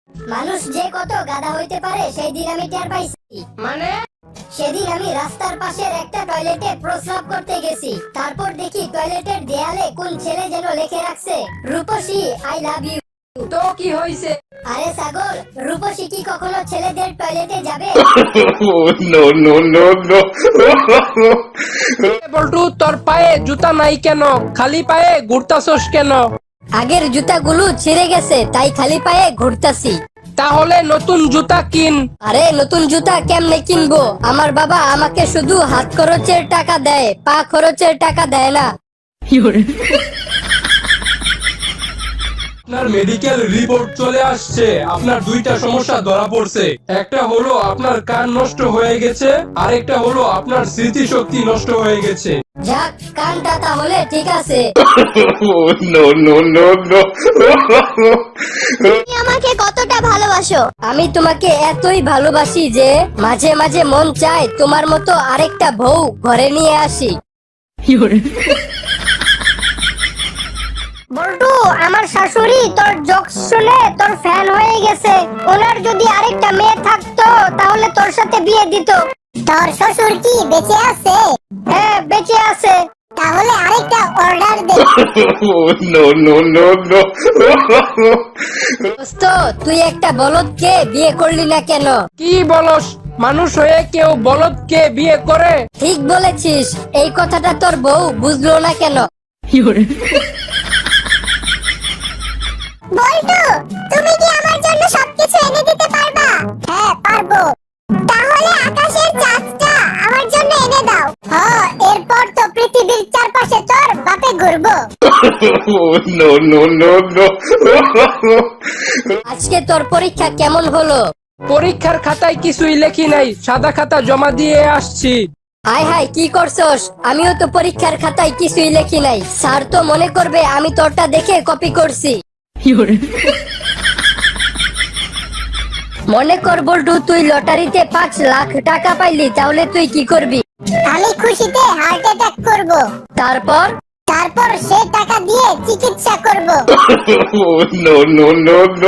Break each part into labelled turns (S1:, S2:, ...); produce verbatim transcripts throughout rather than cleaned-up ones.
S1: মানুষ যে কত গাধা হইতে পারে সেই দিন আমি টের পাইছি।
S2: মানে
S1: সেদিন আমি রাস্তার পাশের একটা টয়লেটে প্রস্রাব করতে গেছি, তারপর দেখি টয়লেটের দেয়ালে কোন ছেলে যেন লিখে রাখছে রূপসী আই লাভ ইউ।
S2: তো কি হইছে?
S1: আরে ছাগল, রূপসী কি কখনো ছেলেদের টয়লেটে যাবে?
S3: no, no, no, no.
S2: বল্টু, তোর পায়ে জুতা নাই কেন? খালি পায়ে ঘুরতাছস কেন?
S1: আগের জুতাগুলো ছিঁড়ে গেছে, তাই খালি পায়ে ঘুরতাছি।
S2: তাহলে নতুন জুতা কিন।
S1: আরে নতুন জুতা কেমনে কিনবো? আমার বাবা আমাকে শুধু হাত খরচের টাকা দেয়, পা খরচের টাকা দেয় না।
S4: আপনার মেডিকেল রিপোর্ট চলে আসছে। আপনার দুইটা সমস্যা ধরা পড়ছে। একটা হলো আপনার কান নষ্ট হয়ে গেছে, আরেকটা হলো আপনার স্মৃতিশক্তি নষ্ট হয়ে গেছে।
S1: যাক, কানটা তাহলে ঠিক আছে।
S3: no, no, no, no.
S5: তুমি আমাকে কতটা ভালোবাসো?
S1: আমি তোমাকে এতই ভালোবাসি যে মাঝে মাঝে মন চায় তোমার মতো আরেকটা বউ ঘরে নিয়ে আসি। বল্টু, আমার শাশুড়ি তোর জোকস শুনে তোর ফ্যান হয়ে গেছে। ওনার যদি আরেকটা মেয়ে থাকতো তাহলে তোর সাথে বিয়ে দিত।
S5: তোর শ্বশুর কি বেঁচে আছে?
S1: হ্যাঁ, বেঁচে আছে।
S5: তাহলে আরেকটা অর্ডার দে।
S3: no, no, no, no.
S1: দোস্ত, তুই একটা বলদকে বিয়ে করলি না কেন?
S2: কি বলস? মানুষ হয়ে কেউ বলদকে বিয়ে করে?
S1: ঠিক বলেছিস, এই কথাটা তোর বউ বুঝলো না কেন?
S5: বল্টু, তুমি কি আমার জন্য সবকিছু এনে দিতে পারবা? হ্যাঁ, পারবো। তাহলে আকাশের চাঁদটা আমার জন্য এনে দাও। হ্যাঁ, এরপর তো পৃথিবীর চারপাশে তোর বাপে ঘুরবো।
S3: no, no, no, no.
S1: আজকে তোর পরীক্ষা কেমন হলো?
S2: পরীক্ষার খাতায় কিছুই লেখি নাই, সাদা খাতা জমা দিয়ে আসছি।
S1: হাই হাই, কি করছস? আমিও তো পরীক্ষার খাতায় কিছুই লেখি নাই। স্যার তো মনে করবে আমি তোরটা দেখে কপি করছি। মনে কর বল্টু, তুই লটারিতে পাঁচ লাখ টাকা পাইলি, তাহলে তুই কি করবি?
S5: আমি খুশিতে হার্ট অ্যাটাক করব।
S1: তারপর?
S5: তারপর সে টাকা দিয়ে চিকিৎসা করব।
S3: no, no, no, no.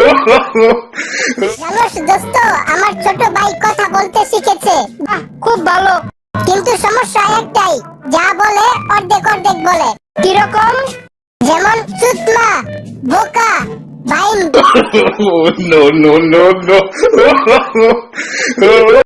S5: জানোস দোস্ত, আমার ছোট ভাই কথা বলতে শিখেছে।
S1: বাহ, খুব ভালো।
S5: কিন্তু সমস্যা একটাই, যা বলে অর্ধেক অর্ধেক বলে।
S1: কিরকম?
S5: যেমন চুতলা, বোকা, বাইন।
S3: no, no, no, no.